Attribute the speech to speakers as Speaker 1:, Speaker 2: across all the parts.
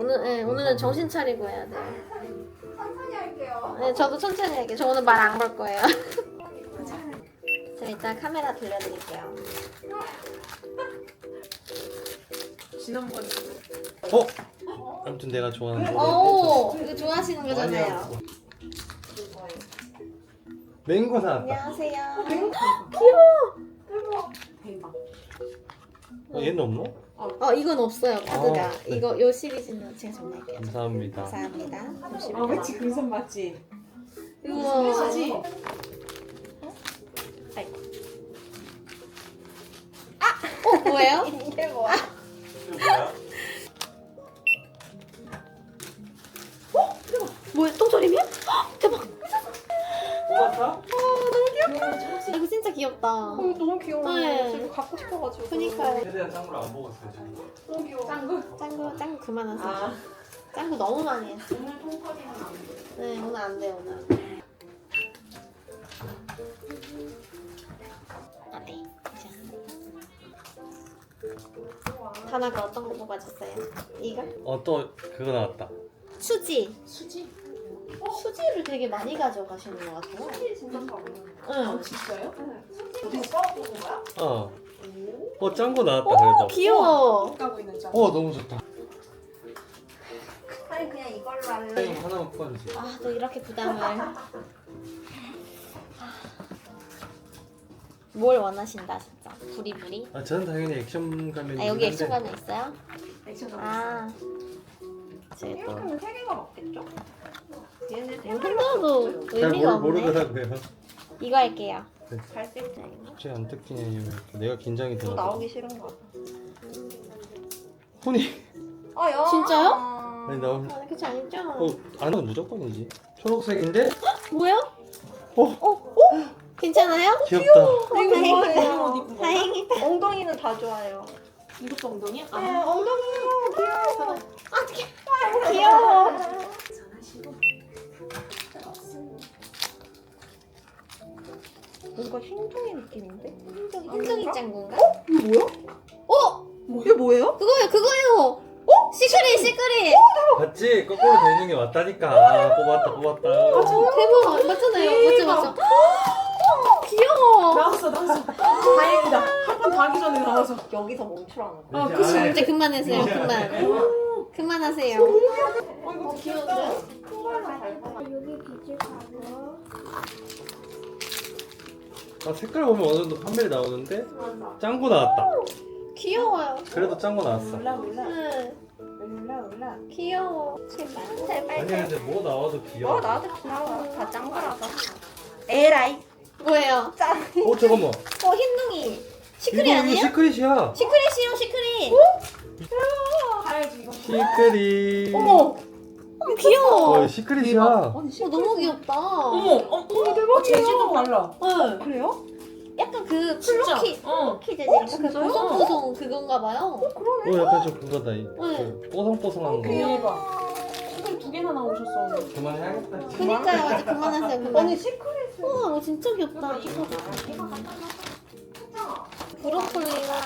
Speaker 1: 오늘은 정신 차리고 해야 돼요.
Speaker 2: 천천히 할게요.
Speaker 1: 네, 저도 천천히 할게요. 저 오늘 말 안 걸 거예요. 자, 일단 카메라 돌려드릴게요.
Speaker 2: 지난번
Speaker 3: 아무튼 내가 좋아하는
Speaker 1: 오, 이거 좋아하시는 거잖아요.
Speaker 3: 맹고 나왔다.
Speaker 1: 안녕하세요.
Speaker 2: 대박.
Speaker 3: 얘는 없나?
Speaker 1: 이건 없어요, 카드가.
Speaker 3: 네.
Speaker 1: 이거 요 시리즈는 제가 정리할게요.
Speaker 3: 감사합니다.
Speaker 1: 감사합니다.
Speaker 2: 그치 금손 맞지?
Speaker 1: 우와.
Speaker 2: 맞지?
Speaker 1: 뭐예요?
Speaker 2: 이게 뭐야?
Speaker 1: 뭐야, 똥조림이야? 대박.
Speaker 3: 뽑았어?
Speaker 1: 이거 진짜 귀엽다.
Speaker 2: 너무 귀여워.
Speaker 1: 네.
Speaker 2: 지금 갖고 싶어가지고.
Speaker 1: 그니까요.
Speaker 3: 최대한 짱구를 안 먹었어요 지금.
Speaker 2: 너무 귀여워. 짱구.
Speaker 1: 짱구 그만하세요.
Speaker 2: 아.
Speaker 1: 짱구 너무 많이 했어.
Speaker 2: 오늘 통커리는 안 돼.
Speaker 1: 네, 오늘 안 돼, 오늘 안 돼. 안 돼. 다나가 어떤 거 뽑아줬어요? 이거?
Speaker 3: 또 그거 나왔다.
Speaker 1: 수지.
Speaker 2: 수지?
Speaker 1: 수지를 되게 많이 가져가시는 것 같아요.
Speaker 2: 수지 진짜 잘 어울려.
Speaker 1: 응.
Speaker 2: 진짜요? 수지 오빠가 뽑은 거야?
Speaker 3: 짱구 나왔다
Speaker 1: 오,
Speaker 3: 그래도.
Speaker 1: 귀여워.
Speaker 2: 가고 있는 줄.
Speaker 3: 너무 좋다.
Speaker 2: 아니 그냥 이걸로 할래.
Speaker 3: 사장님 하나만 뽑아주세요.
Speaker 1: 아, 또 이렇게 부담을. 뭘 원하신다, 진짜. 부리부리.
Speaker 3: 저는 당연히 액션 가면.
Speaker 1: 여기 액션 가면 있어요?
Speaker 2: 액션
Speaker 1: 아. 제가 또.
Speaker 2: 이렇게는 세 개가 맞겠죠? 얘는 세
Speaker 1: 흔들어도
Speaker 3: 잘
Speaker 1: 의미가 없네.
Speaker 3: 모르더라고요.
Speaker 1: 이거 할게요.
Speaker 2: 갈색
Speaker 3: 갑자기 안 뜯기냐 이러면 내가 긴장이
Speaker 2: 또
Speaker 3: 되나.
Speaker 2: 나오기 싫은가 봐.
Speaker 3: 혼이.
Speaker 2: 야.
Speaker 1: 진짜요?
Speaker 3: 아니 나오면.
Speaker 1: 그렇지 않죠?
Speaker 3: 안은 무조건이지. 초록색인데.
Speaker 1: 뭐야? 괜찮아요?
Speaker 3: 귀엽다.
Speaker 2: 이거
Speaker 1: 다행이다.
Speaker 2: 엉덩이는 다 좋아요.
Speaker 1: 이것도 엉덩이야?
Speaker 2: 네, 엉덩이요. 귀여워.
Speaker 1: 귀여워.
Speaker 2: 뭔가 흰둥이 느낌인데?
Speaker 1: 흰둥이 짱구인가?
Speaker 2: 이거 뭐야? 이게 뭐예요?
Speaker 1: 그거예요. 시크릿.
Speaker 3: 봤지? 거꾸로 되는 게 맞다니까. 뽑았다.
Speaker 1: 대박. 맞잖아요. 맞죠? 귀여워.
Speaker 2: 나왔어. 다행이다. 한 번 더 하기 전에 나와서. 여기서 멈추라는 거야.
Speaker 3: 그치.
Speaker 1: 이제 그만하세요. 그만하세요.
Speaker 2: 이거 귀여운데? 큰 걸로 잘 뽑아.
Speaker 3: 색깔 보면 어느 정도 판별이 나오는데
Speaker 2: 맞아.
Speaker 3: 짱구 나왔다.
Speaker 1: 귀여워요.
Speaker 3: 그래도 짱구 나왔어.
Speaker 2: 올라.
Speaker 1: 귀여워. 제발.
Speaker 3: 아니 근데 뭐 나와도 귀여워.
Speaker 2: 나도 귀여워. 다 짱구라서. 에라이.
Speaker 1: 뭐예요?
Speaker 2: 짱.
Speaker 3: 잠깐만.
Speaker 1: 흰둥이. 시크릿
Speaker 3: 이거
Speaker 1: 아니에요?
Speaker 3: 시크릿이야.
Speaker 1: 시크릿.
Speaker 2: 가야지 이거.
Speaker 3: 시크릿.
Speaker 1: 어머, 귀여워.
Speaker 3: 시크릿이야.
Speaker 1: 너무 귀엽다.
Speaker 2: 대박. 재질도 달라.
Speaker 1: 네.
Speaker 2: 그래요?
Speaker 1: 약간 그
Speaker 2: 진짜?
Speaker 1: 플로키 재질인가? 그
Speaker 2: 진짜요?
Speaker 1: 보송보송 그건가 봐요.
Speaker 3: 약간 좀 그거다.
Speaker 1: 네.
Speaker 3: 그 뽀송뽀송한 거.
Speaker 2: 대박. 지금 두 개나 나오셨어 오늘.
Speaker 3: 그만해야겠다.
Speaker 1: 그니까요. 아직 그만하세요. 그만.
Speaker 2: 아니 시크릿을.
Speaker 1: 우와, 이거 진짜 귀엽다. 브로콜리랑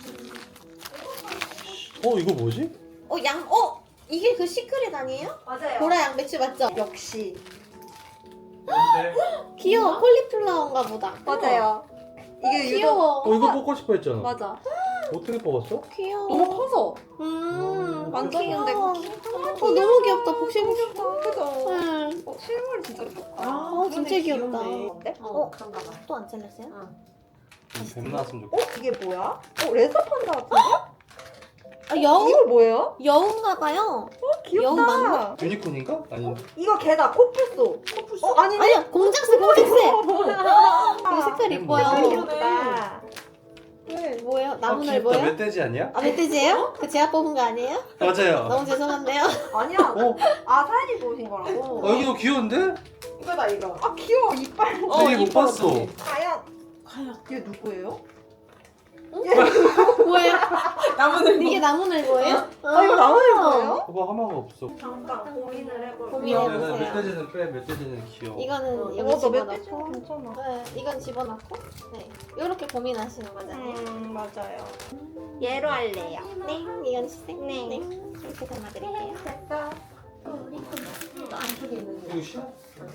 Speaker 3: 이거 뭐지?
Speaker 1: 이게 그 시크릿 아니에요?
Speaker 2: 맞아요.
Speaker 1: 보라 양배추 맞죠?
Speaker 2: 역시.
Speaker 3: 뭔데?
Speaker 1: 귀여워. 콜리플라워인가 보다.
Speaker 2: 맞아요. 이게 유독.
Speaker 1: 귀여워.
Speaker 3: 이거 뽑고 싶어 했잖아.
Speaker 2: 맞아.
Speaker 3: 어떻게 뽑았어?
Speaker 1: 귀여워.
Speaker 2: 너무 커서.
Speaker 1: 완전
Speaker 2: 귀여운데.
Speaker 1: 너무 귀엽다. 복실복실.
Speaker 2: 그죠?
Speaker 1: 응.
Speaker 2: 실물 진짜 귀엽다.
Speaker 1: 진짜 귀엽다.
Speaker 2: 어때?
Speaker 1: 그런가 봐. 또 안 잘렸어요?
Speaker 3: 뱀 나왔으면 좋겠다.
Speaker 2: 이게 뭐야? 레서 판다 같은데?
Speaker 1: 여우?
Speaker 2: 이거 뭐예요?
Speaker 1: 여우인가 봐요.
Speaker 2: 귀엽다.
Speaker 1: 여우 맞나?
Speaker 3: 유니콘인가? 아니.
Speaker 2: 이거 걔다 코뿔소. 아니네.
Speaker 1: 아니요. 공작새. 이거 색깔 이뻐요.
Speaker 2: 색깔 귀엽다.
Speaker 1: 뭐예요? 나무늘
Speaker 3: 귀엽다.
Speaker 1: 뭐예요?
Speaker 3: 멧돼지 아니야?
Speaker 1: 멧돼지예요? 그 제가 뽑은 거 아니에요?
Speaker 3: 맞아요.
Speaker 1: 너무 죄송한데요.
Speaker 2: 아니야. 사연이 보신 거라고.
Speaker 3: 여기도 귀여운데?
Speaker 2: 이거다 이거. 귀여워 이빨.
Speaker 3: 되게 못 봤어.
Speaker 2: 과연 얘 누구예요?
Speaker 1: 뭐예요?
Speaker 2: 나무늘.
Speaker 1: 이게 나무늘 뭐예요?
Speaker 2: 이거 나무늘 뭐예요?
Speaker 3: 봐봐 하나가 없어.
Speaker 2: 잠깐 고민을 해볼게.
Speaker 1: 고민해보세요.
Speaker 3: 멧돼지는 빼. 멧돼지는 귀여워.
Speaker 1: 이거는 여기
Speaker 2: 이거 멧돼지
Speaker 1: 집어넣고
Speaker 2: 괜찮아.
Speaker 1: 네, 이건 집어넣고 네, 이렇게 고민하시는 거잖아요.
Speaker 2: 맞아요. 얘로 할래요.
Speaker 1: 네, 이건 시색.
Speaker 2: 네.
Speaker 1: 네, 이렇게 담아드릴게요.
Speaker 2: 됐어.
Speaker 1: 또 안쪽에 있는
Speaker 3: 이거 싫어?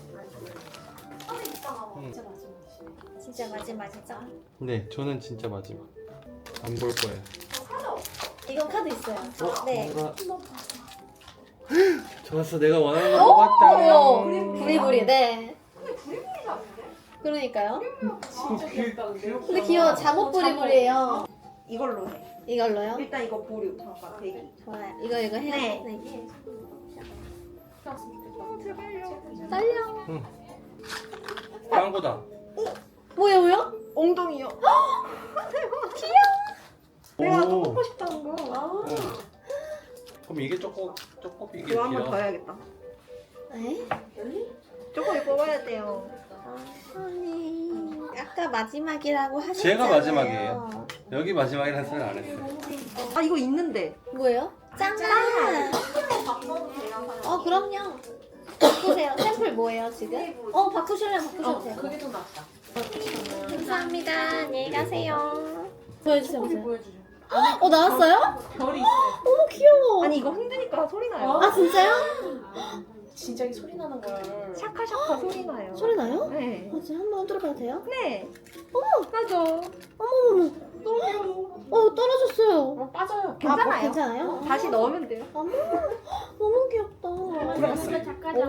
Speaker 1: 진짜 마지막이죠?
Speaker 3: 네, 저는 진짜 마지막. 안 볼 거예요.
Speaker 1: 이건 카드 있어요. 네.
Speaker 3: 뭔가... 좋았어, 내가 원하는 거 뽑았다.
Speaker 1: 부리부리, 네. 그러니까요.
Speaker 2: 진짜 귀엽다는데?
Speaker 1: 근데 귀여워. 잠옷 부리부리예요.
Speaker 2: 이걸로 해.
Speaker 1: 이걸로요?
Speaker 2: 일단 이거 보류. 잠깐 대기.
Speaker 1: 좋아요. 이거 해요?
Speaker 2: 네.
Speaker 1: 떨려.
Speaker 3: 짱구다.
Speaker 1: 뭐야?
Speaker 2: 엉덩이요. 내가 또 뽑고 싶다는 거.
Speaker 3: 그럼 이게 조금 이게
Speaker 2: 이거 한번
Speaker 3: 길어.
Speaker 2: 더 해야겠다.
Speaker 1: 네?
Speaker 2: 조금 뽑아야 돼요.
Speaker 1: 아니, 아까 마지막이라고 하셨잖아요.
Speaker 3: 제가 마지막이에요. 여기 마지막이라는 소리는 안 했어요.
Speaker 2: 아 이거 있는데.
Speaker 1: 뭐예요? 짠! 그럼요. 바꾸세요. 샘플 뭐예요, 지금? 바꾸실래요? 바꾸셔도 돼요.
Speaker 2: 그게 좀 낫다.
Speaker 1: 감사합니다. 안녕히 가세요. 보여주세요. 보세요.
Speaker 2: 보여주죠.
Speaker 1: 나왔어요?
Speaker 2: 별이 있어요.
Speaker 1: 너무 귀여워.
Speaker 2: 아니 이거 흔드니까 소리 나요.
Speaker 1: 아, 진짜요?
Speaker 2: 진짜 이 소리 나는 걸. 샤카샤카 소리 나요.
Speaker 1: 소리 나요?
Speaker 2: 네.
Speaker 1: 지금 한번 들어봐도 돼요?
Speaker 2: 네. 어머. 맞아.
Speaker 1: 어머머머.
Speaker 2: 너무 귀여워.
Speaker 1: 떨어졌어요.
Speaker 2: 빠져요.
Speaker 1: 괜찮아요? 괜찮아요?
Speaker 2: 다시 넣으면 돼요.
Speaker 1: 어머, 너무 귀엽다.
Speaker 2: 들어갔어요.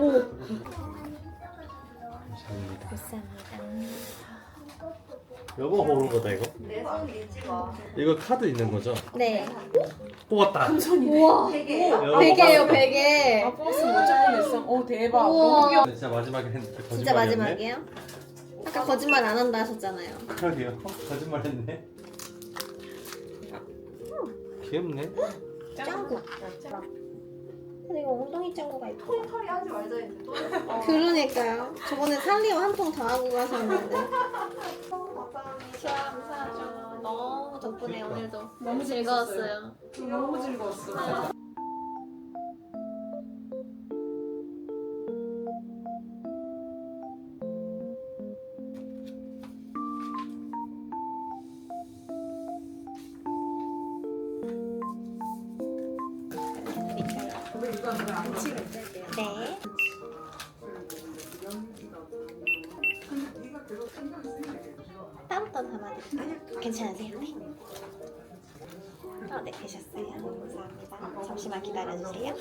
Speaker 3: 감사합니다.
Speaker 1: 감사합니다.
Speaker 3: 여보 고른 거다 이거?
Speaker 2: 내 손 믿지 마.
Speaker 3: 이거 카드 있는 거죠?
Speaker 1: 네.
Speaker 3: 뽑았다.
Speaker 1: 우와.
Speaker 2: 되게요?
Speaker 1: 베개예요, 베개.
Speaker 4: 아, 버스 못 잡고 냈어. 오, 대박.
Speaker 1: 우와.
Speaker 4: 너무 귀여워.
Speaker 3: 진짜 마지막에 했는데 거짓말이었네.
Speaker 1: 진짜 마지막이에요? 아까 거짓말 안 한다 하셨잖아요.
Speaker 3: 그러게요. 거짓말했네. 귀엽네.
Speaker 1: 짱구. 근데 이거 엉덩이 짱구가 있고.
Speaker 2: 털이 하지 말자 이제 또.
Speaker 1: 그러니까요. 저번에 살리오 한 통 더 하고 가셨는데.
Speaker 2: 감사합니다.
Speaker 1: 감사하죠. 너무 덕분에
Speaker 3: 그러니까.
Speaker 1: 오늘도
Speaker 4: 너무
Speaker 1: 즐거웠어요.
Speaker 4: 너무 즐거웠어.
Speaker 1: 네. 다음부터 담아드릴까요? 괜찮으세요? 네. 네, 되셨어요. 감사합니다. 잠시만 기다려주세요.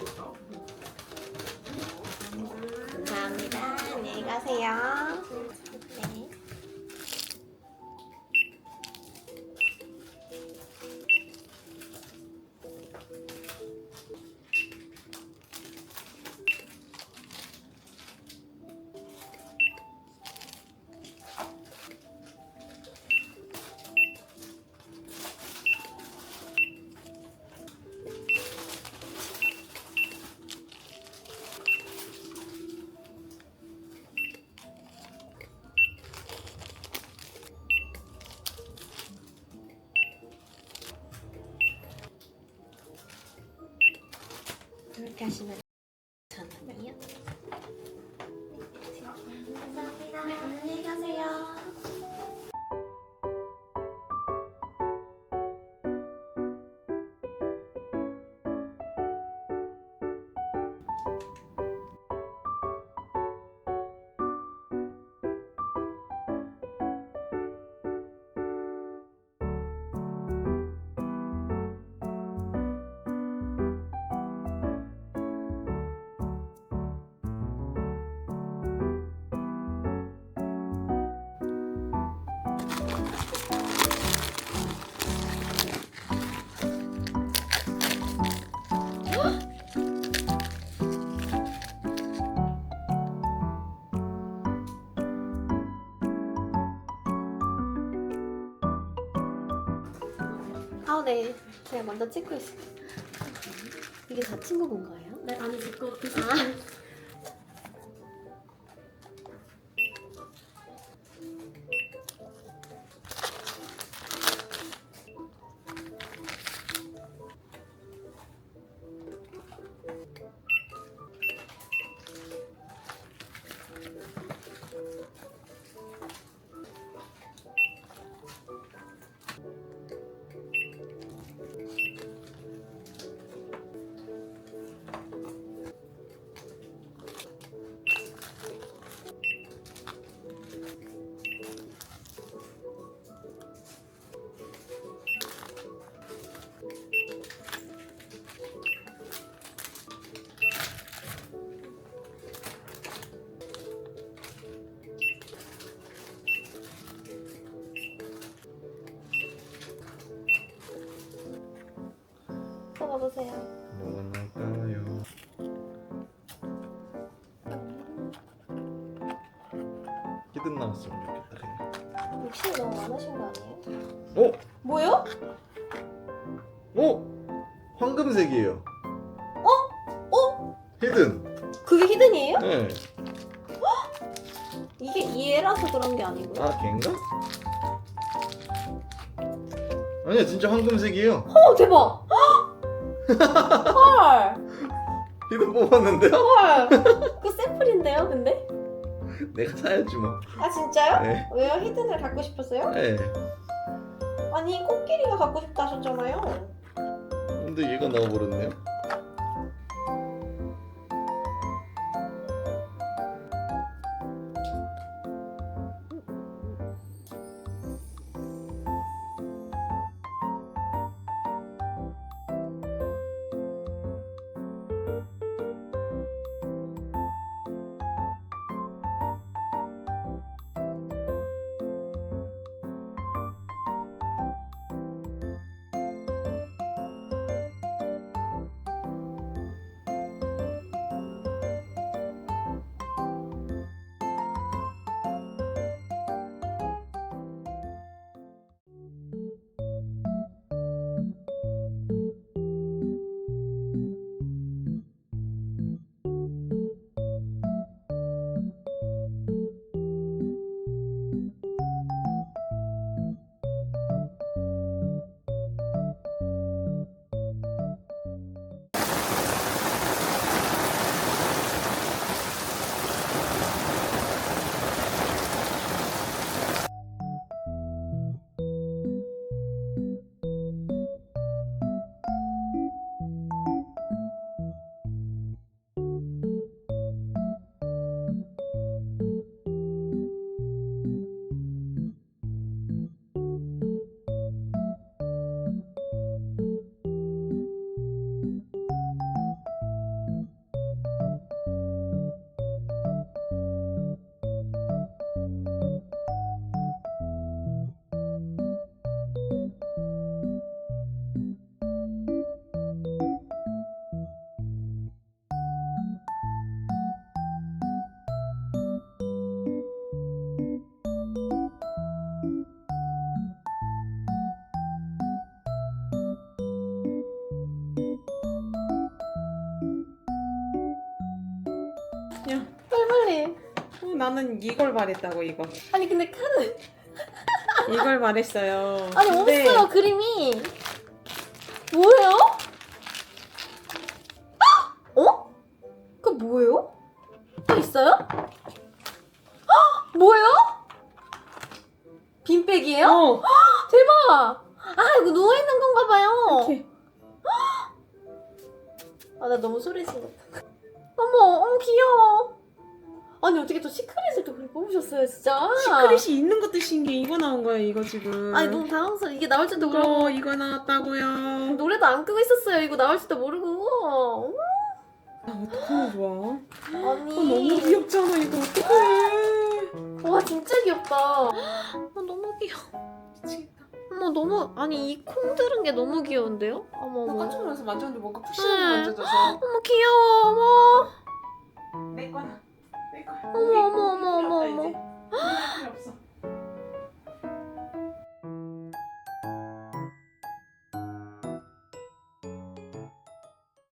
Speaker 1: 감사합니다. 안녕히 가세요. 네. 이렇게 하시면 잠깐만요. 감사합니다. 안녕히 가세요. 네. 제가 먼저 찍고 있어요. 이게 다 친구분 거예요? 네, 아니, 제 거. 고르세요.
Speaker 3: 뭐가 나올까요? 히든 나왔으면 좋겠다 그냥.
Speaker 1: 욕심이 너무 많으신 거 아니에요?
Speaker 3: 어?
Speaker 1: 뭐요?
Speaker 3: 황금색이에요.
Speaker 1: 어?
Speaker 3: 히든.
Speaker 1: 그게 히든이에요?
Speaker 3: 네.
Speaker 1: 이게 얘라서 그런 게 아니고요.
Speaker 3: 아 걔인가? 아니야 진짜 황금색이에요.
Speaker 1: 대박! 헐!
Speaker 3: 히든 뽑았는데요?
Speaker 1: 헐! 그 샘플인데요, 근데?
Speaker 3: 내가 사야지 뭐.
Speaker 1: 아 진짜요?
Speaker 3: 네.
Speaker 1: 왜요? 히든을 갖고 싶었어요?
Speaker 3: 네.
Speaker 1: 아니 코끼리가 갖고 싶다 하셨잖아요.
Speaker 3: 근데 얘가 나와버렸네요.
Speaker 4: 야,
Speaker 1: 빨리.
Speaker 4: 나는 이걸 말했다고 이거.
Speaker 1: 아니 근데 카드.
Speaker 4: 이걸 말했어요.
Speaker 1: 아니
Speaker 4: 근데
Speaker 1: 없어요 그림이. 뭐예요? 어? 그 뭐예요? 또 있어요? 뭐예요? 빈백이에요?
Speaker 4: 어,
Speaker 1: 대박! 아 이거 누워있는 건가 봐요.
Speaker 4: 이렇게.
Speaker 1: 아 나 너무 소리 질렀다. 어머 귀여워. 아니 어떻게 또 시크릿을 또 그렇게 뽑으셨어요 진짜.
Speaker 4: 시크릿이 있는 것도 신기해. 이거 나온 거야 이거 지금.
Speaker 1: 아니 너무 당황스러워. 이게 나올 줄도 모르고
Speaker 4: 이거 나왔다고요.
Speaker 1: 노래도 안 끄고 있었어요. 이거 나올 줄도 모르고.
Speaker 4: 나 어떡하면 좋아?
Speaker 1: 아니
Speaker 4: 너무 귀엽잖아 이거 어떡해.
Speaker 1: 와 진짜 귀엽다. 너무 귀여워.
Speaker 4: 미치겠다.
Speaker 1: 어머 너무 아니 이 콩 들은 게 너무 귀여운데요? 어머
Speaker 4: 나
Speaker 1: 어머.
Speaker 4: 깜짝 놀라서 만졌는데 뭔가
Speaker 1: 네.
Speaker 4: 푸시하게 만져져서.
Speaker 1: 어머 귀여워. 어머.
Speaker 4: 내 거야.